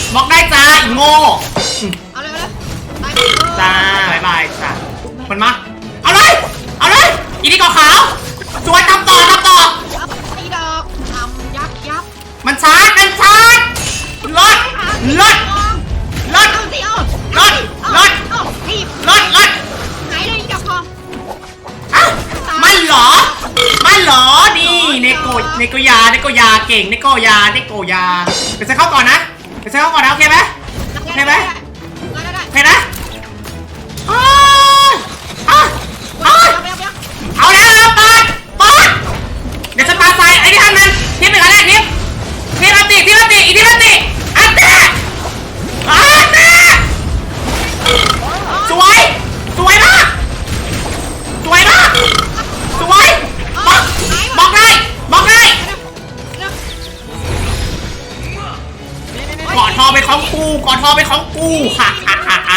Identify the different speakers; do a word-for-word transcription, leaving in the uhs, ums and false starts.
Speaker 1: บล็อกได้จ้าอีโง่
Speaker 2: เอาเลยเอาเลย
Speaker 1: จ้าบายบายจ้ามันมาเอาเลยเอาเลยอีนี่ก่อขาวสวยทำต่อทำต่อ
Speaker 2: ตีดอกทำยับยับ
Speaker 1: มันชาร์จมันชาร์จรถรถรถ
Speaker 2: เอาสิเอา
Speaker 1: รถรถ
Speaker 2: เอาทีบ
Speaker 1: รถรถ
Speaker 2: หายเลยดอกทอง
Speaker 1: อ้าวมันเหรอมันเหรอนี่เนโกเนโกยาเนโกยาเก่งเนโกยาเนโกยาไปใส่เข้าก่อนนะไปใส่เข้าก่อนนะโอเคไหมโอเคไหมโอเคนะอ้าวอ้าวอ้าวเอาแล้วเปิดเปิดเดี๋ยวฉันปาใส่ไอ้นี่ทำมันทิปเป็นอะไรทิปทิปอันติทิปอันติอีทิปอันติอันติอันติสวยสวยมากสวยมากสวยบอกบอกได้บอกได้กอดทอไปของกูกอดทอไปของกูฮ่าฮ่าฮ่า